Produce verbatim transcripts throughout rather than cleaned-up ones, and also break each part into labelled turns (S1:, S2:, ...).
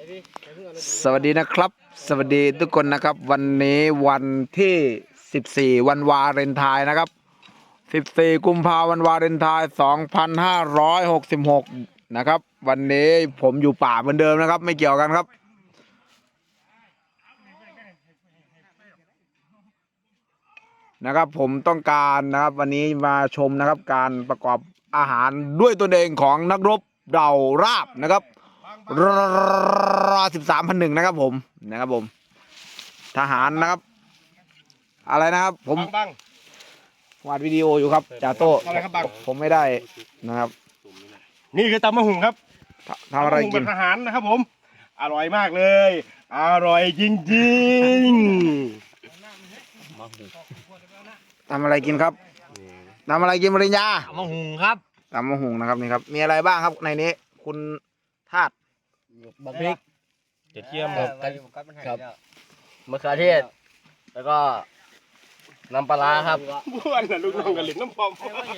S1: สวัสดีนะครับสวัสดีทุกคนนะครับวันนี้วันที่สิบสี่วันวาเลนไทน์นะครับสิบสี่กุมภาพันธ์วันวาเลนไทน์สองพันห้าร้อยหกสิบหกนะครับวันนี้ผมอยู่ป่าเหมือนเดิมนะครับไม่เกี่ยวกันครับนะครับผมต้องการนะครับวันนี้มาชมนะครับการประกอบอาหารด้วยตนเองของนักรบเหล่าราบนะครับรอสิบสามพันหนึ่งนะครับผมนะครับผมทหารนะครับอะไรนะครับผมวาดวิดีโออยู่ครับจ่าโต้ผมไม่ได้นะครับ
S2: นี่คือตำมะหุ่งครับ
S1: ทำอะไรกิน
S2: อาหารนะครับผมอร่อยมากเลยอร่อยจริง
S1: ๆทำอะไรกินครับทำอะไรกินปริญญา
S3: ตำมะหุ่งครับ
S1: ตำมะหุ่งนะครับนี่ครับมีอะไรบ้างครับในนี้คุณธาตุ
S3: บักพริก
S2: กระเทียมครับ
S3: ครับมะเขือเทศแล้วก็น้ำปลาครับ
S2: บ้านน่ะลูกน้องกันเล่นน้ำปอม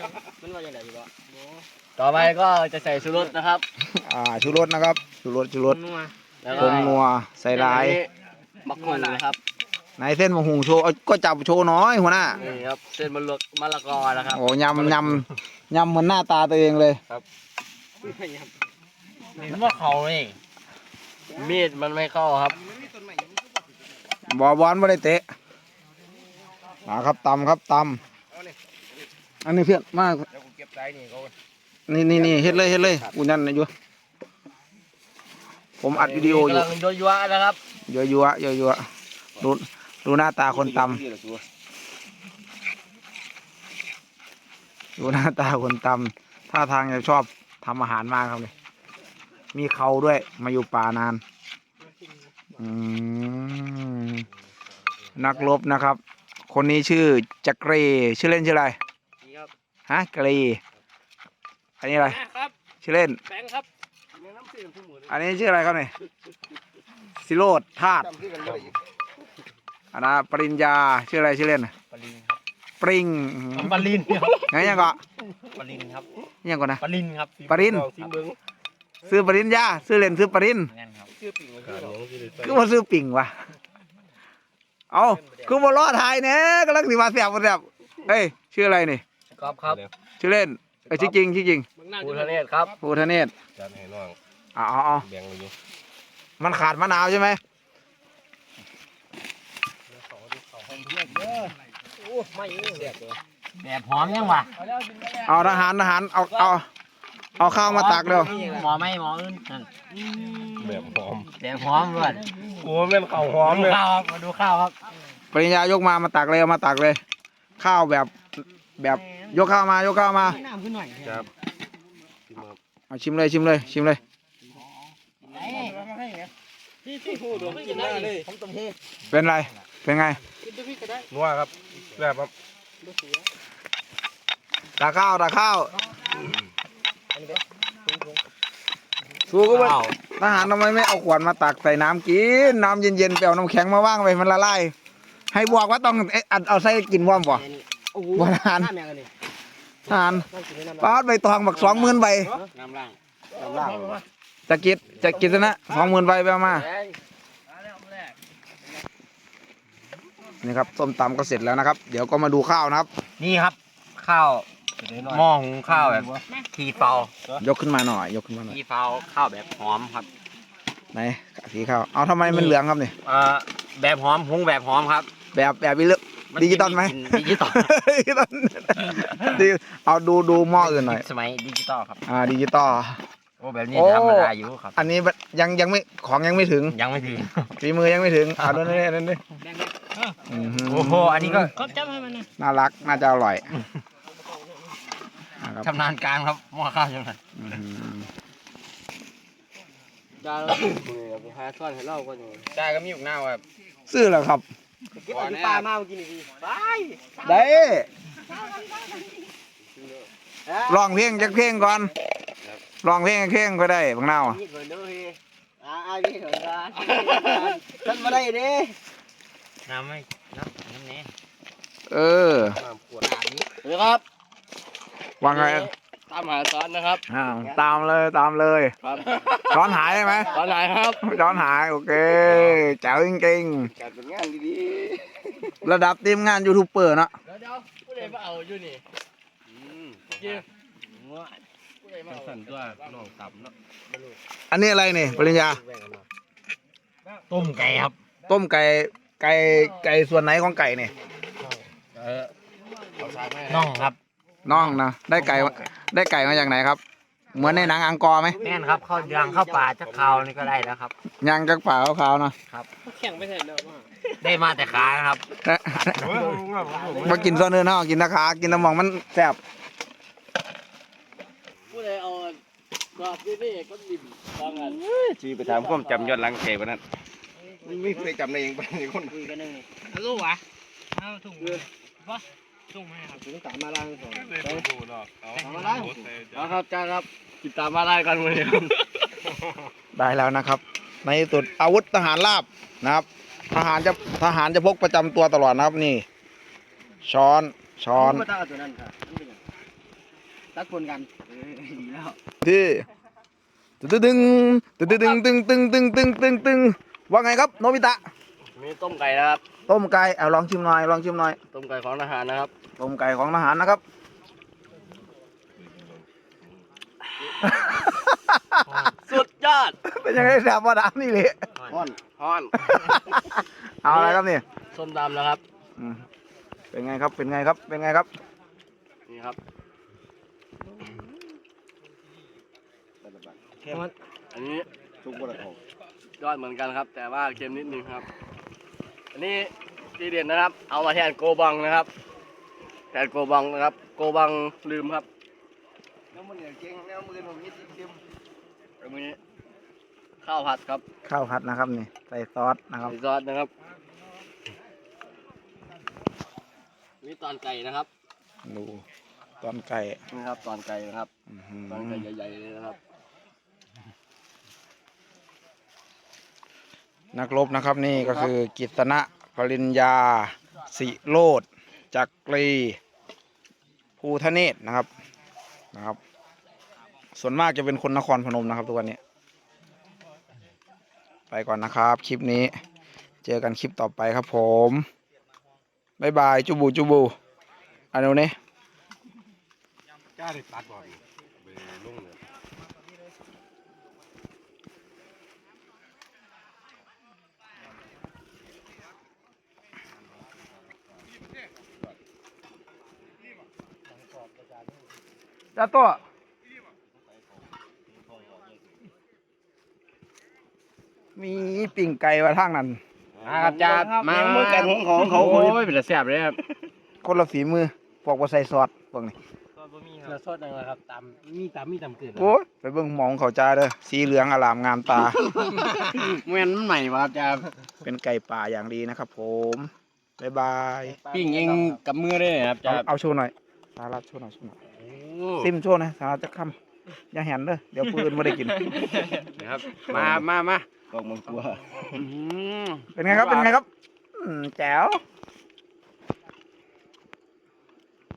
S3: ต่อไปก็จะใส่ชูรสนะครับ
S1: อ่าชูรสนะครับชูรสชูรสผงนัวใส่ลาย
S3: บักหุ่งนะครับ
S1: ไหนเส้นมะหุ่งโชว์ก็จับโชว์น้อยหัวหน้า
S3: นี่ครับเส้นมะละมะละกอนะครับ
S1: โอ้ยำยำยำเหมือนหน้าตาตัวเองเลย
S3: ครับเห็นว่าเขานี่มีดมันไม่เข้าครับ
S1: บอบอลไม่ได้เตะนะครับตำครับตำอันนี้เพื่อนมากนี่นี่นี่เฮ็ดเลยเฮ็ดเลยกูยันนะอยู่ผมอัดวิดีโออยู่
S3: กำลังโยยัวนะครับ
S1: ยัวยัวยัวยัวดูดูหน้าตาคนตำดูหน้าตาคนตำท่าทางจะชอบทำอาหารมากครับเลยมีเขาด้วยมาอยู่ป่านานนักรบนะครับคนนี้ชื่อจักรีชื่อเล่นชื่ออะไรฮะกรีอันนี้อะไรชื่อเล่นอันนี้ชื่ออะไรครับเนี่ยสิโรดธาตุอันนั้นปริญญาชื่ออะไรชื่อเล่นปริง
S3: ปริน
S1: ไงยังก็
S3: ปรินครับ
S1: ยังก่อนนะ
S3: ปรินครับ
S1: ปรินซื้อปริญญาซื้อเล่นซื้อปรินคือว่าซื้อปิ่งวะเอาคือว่ารอดทายเนี่ยกำลังสิมาเสียบมาเสียบเฮ้ยชื่ออะไรนี่
S3: ครับครับ
S1: ชื่อเล่นเอ้ยชื่อจริงชื่อจริง
S3: ภูทะเนศครับ
S1: ภูทะเนศอ๋ออ๋อมันขาดมะนาวใช่ไหม
S3: แบบหอมยังวะ
S1: เอาทหารทหารเอาเอาเอาข้าวมาตักเร็ว
S3: หมอไม่หมออื่น
S2: แบบหอม
S3: แบบหอมด้วย
S2: โอ้เป็นข้าวหอมเลย
S3: ข้าวมาดูข้าวครับ
S1: ปริญญายกมามาตักเลยเอามาตักเลยข้าวแบบแบบยกข้าวมายกข้าวมา
S2: ครับ
S1: เอาชิมเลยชิมเลยชิมเลยเป็นไรเป็นไง
S2: นัวครับแบบครับ
S1: ตักข้าวตักข้าวสู้ก็ไม่ทหารทำไมไม่เอาขวดมาตักใส่น้ำกินน้ำเย็นๆเปล่าน้ำแข็งมาว่างไปมันละลายให้บอกว่าต้องเอาใส่กินว่อมบ่บ่ทหารทหารป้าใบตองบักสองหมื่นใบจะกินจะกินนะสองหมื่นใบไปมานี่ครับส้มตำก็เสร็จแล้วนะครับเดี๋ยวก็มาดูข้าวนะครับ
S3: นี่ครับข้าวหม้อหุงข้าวแบบทีเฟาย
S1: กขึ้นมาหน่อยยกขึ้นมาหน่อย
S3: ทีเฟาข้าวแบบหอมครับ
S1: ไหนสีข้าวเอาทำไมมันเหลืองครับนี่
S3: เอ่อแบบหอมหุงแบบหอมครับ
S1: แบบแบบวิลดิจิตอลไหม
S3: ดิจิตอล
S1: เอาดูดูหม้ออื่นหน่อย
S3: สมัยดิจิตอลครับ
S1: อ่าดิจิตอล
S3: โอ้แบบนี้ธรรมดาอยู่ครับ
S1: อันนี้ยังยังไม่ของยังไม่ถึง
S3: ยังไม่ถึง
S1: ฝีมือยังไม่ถึงเอาดูนี่นั่นดิ
S3: โอ้โหอันนี้ก็
S1: น่ารักน่าจะอร่อย
S3: ชำนาญการครับหม้อข้าวชำนาญจ้าไปหาซ่อนให้เล่าก่อนจ้าก็มีอยู่หน้าแบบ
S1: ซื้อแล้วครับ
S3: เก็บปลามาเมื่อกี้นี่ดีไป
S1: ได้ลองเพลงจักเพลงก่อนลองเพลงเพลงก็ได้บางนาวอ่ะ
S3: ท่านมาได้ดิน้ำไม่น้ำน้ำนี้
S1: เออ
S3: เดี๋ยวครับ
S1: ว่าไง
S3: ตตามหาซ้อนนะครับ
S1: อ่าตามเลยตามเลย
S3: ครับ
S1: ช้อนหายใช่ไหม
S3: ซ้อนไหนครับ
S1: ช้อนหายโอเคแจ๋วจริง
S2: การเป็นงานดี
S1: ๆระดับทีมงานยูทูบเบอร์เนาะ
S3: เดี๋ยวเดี๋ยวผู้ใดมาเอาอยู่นี่
S2: ๆอืม
S3: จริงผู้ใดมาเอา
S2: สั่นตัวน้องต่ำเนาะ
S1: อันนี้อะไรนี่ปริญญา
S3: ต้มไก่ครับ
S1: ต้มไก่ไก่ไก่ส่วนไหนของไก่นี่
S3: เออเอาสากแม่
S4: น่องครับ
S1: น่องนะได้ไก่มาได้ไก่มาจากไหนครับ เหมือนในหนังอังกอร์ไหม
S4: แม่นครับเข้าย่างเข้าป่าจะเขานี่ก็ได้แล้วครับ
S1: ยังจากป่าขาวๆเนาะ
S4: ได้มาแต่ขานะครับ
S1: มากินซ้อนเนื้อเนาะกินตะขากินตะมองมันแซ่บ
S3: ผู้ใดเอากรอบนี่นี่ก็ดิ่มบางอัน
S2: ชีไปถามความจำยอดลังเกวันนั้นไม่เคยจำได้ยังไปคน
S4: รู้วะเอาถุงวะถุงไหมครับ
S3: ถึงตามมาล้างก่อนตามมาล้างเอาครับจ้าครับติดตามมาล้างกันวันนี้
S1: ได้แล้วนะครับ ในที่สุดอาวุธทหารราบนะครับ ทหารจะทหารจะพกประจำตัวตลอดนะครับนี่ ช้อนช้อน
S3: มาตั้งตัวนั้นค่ะตักคนกันดีแล้ว
S1: ที่ตึงตึงตึงตึงตึงตึงตึงตึงตึงตึงว่าไงครับโนบิตะ
S3: มีต้มไก่นะครับ
S1: ต้มไก่เอาลองชิมหน่อยลองชิมหน่อย
S3: ต้มไก่ของทหารนะครับ
S1: ต้มไก่ของทหารนะครับ
S3: สุดยอด
S1: เป็นยังไงแซ่บว่าดามนี่เลย
S3: ฮ้อนฮ้อน
S1: เอาอะไรครับนี่
S3: ส้มตำนะครับ
S1: อืมเป็นไงครับเป็นไงครับเป็นไงครับ
S3: นี่ครับอันนี้
S2: ทุกคนละของ
S3: ยอดเหมือนกันครับ แต่ว่าเค็มนิดนึงครับ อันนี้ทีเด็ดนะครับ เอามาแทนโกบังนะครับแทนโกบังนะครับ โกบังลืมครับ
S2: น้ำมันอย่างเก่งน้ำมือผมนิดเดียว
S3: อันนี้ข้าวผัดครับ
S1: ข้าวผัดนะครับนี่ใส่ซอสนะครับ
S3: ใส่ซอสนะครับนี่ตอนไก่นะครับ
S1: ดูตอนไก่
S3: นี่ครับตอนไก่นะครับ
S1: อื้อหือ
S3: ตอนไก่ใหญ่ๆเลยนะครับ
S1: นักรบนะครับนี่ก็คือกิตนะปริญญาสิโรดจักรีภูทะเนศนะครับนะครับ ส่วนมากจะเป็นคนนครพนมนะครับทุกวันนี้ ไปก่อนนะครับ คลิปนี้เจอกันคลิปต่อไปครับผมบ๊ายบายจูบูจูบูอันนี้
S2: กล้าได้ตัดบ่อยไปลุ่งเลย
S1: จ้าตัวมีปิ่งไก่มาทางนั้น
S3: มาครับจ้ามาเมื่อกันของของเขาโอ้ยเป็นแซ่บเลยครับ
S1: คนละฝีมือพวกว่าใส่ซอสพวกนี้
S4: เราสดนั่นแหละครับตามมีตามมีตามเกิด
S1: โอ้ยไปเบิ่งหมองเขาจ้าเด้อสีเหลืองอลามงามตา
S3: เมื่อมันใหม่มาครับจ้า
S1: เป็นไก่ป่าอย่างดีนะครับผมบ๊ายบาย
S3: ปิ้งเองกับมือได้ครับ
S1: เอา
S3: จ้า
S1: เอาโชว์หน่อยสารัดโชว์หน่อยโชว์หน่อยซิมโชว์หนะสารัดจะคำอย่าแหนเด้อเดี๋ยวปืนไม่ได้กิน
S3: นะครับมามามา
S2: กองมังกร
S1: เป็นไงครับเป็นไงครับอืมแจ๋ว